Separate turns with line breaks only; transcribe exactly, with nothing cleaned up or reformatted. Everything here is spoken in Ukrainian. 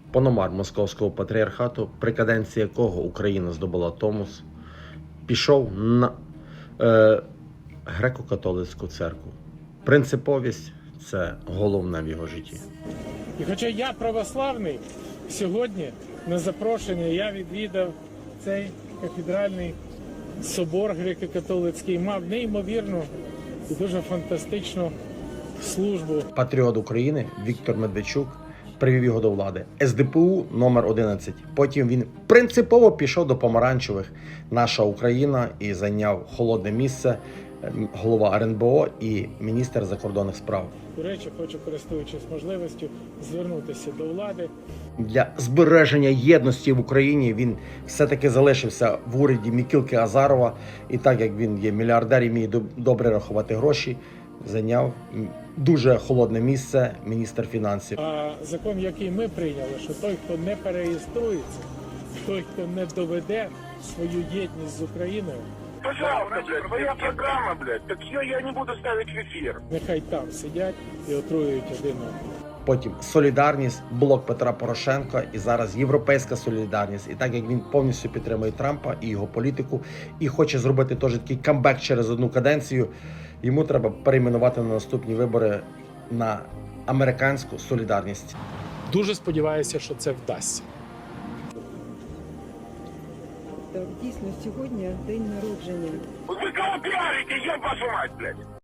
Пономар Московського патріархату, при каденції якого Україна здобула Томос, пішов на е, греко-католицьку церкву. Принциповість – це головне в його житті.
І хоча я православний, сьогодні на запрошення я відвідав цей кафедральний собор греко-католицький, мав неймовірну і дуже фантастичну службу.
Патріот України Віктор Медведчук привів його до влади. ес де пе у номер одинадцять. Потім він принципово пішов до помаранчевих «Наша Україна» і зайняв холодне місце голова ер ен бе о і міністр закордонних справ.
До речі, хочу, користуючись можливістю, звернутися до влади.
Для збереження єдності в Україні він все-таки залишився в уряді Мікілки Азарова. І так як він є мільярдер і вміє добре рахувати гроші, зайняв дуже холодне місце міністр фінансів.
А закон, який ми прийняли, що той, хто не переєструється, той, хто не доведе свою єдність з Україною,
пожалуйста, блядь, моя программа, блядь, так ее я не буду ставить в эфир.
нехай там сидять і отруюють один одного.
Потім Солідарність, блок Петра Порошенка і зараз Європейська Солідарність. І так як він повністю підтримує Трампа і його політику, і хоче зробити теж такий камбек через одну каденцію, йому треба перейменувати на наступні вибори на американську Солідарність.
Дуже сподіваюся, що це вдасться.
Так, дійсно, сьогодні день народження.
Вы кого пиарите, еб вашу мать, блядь?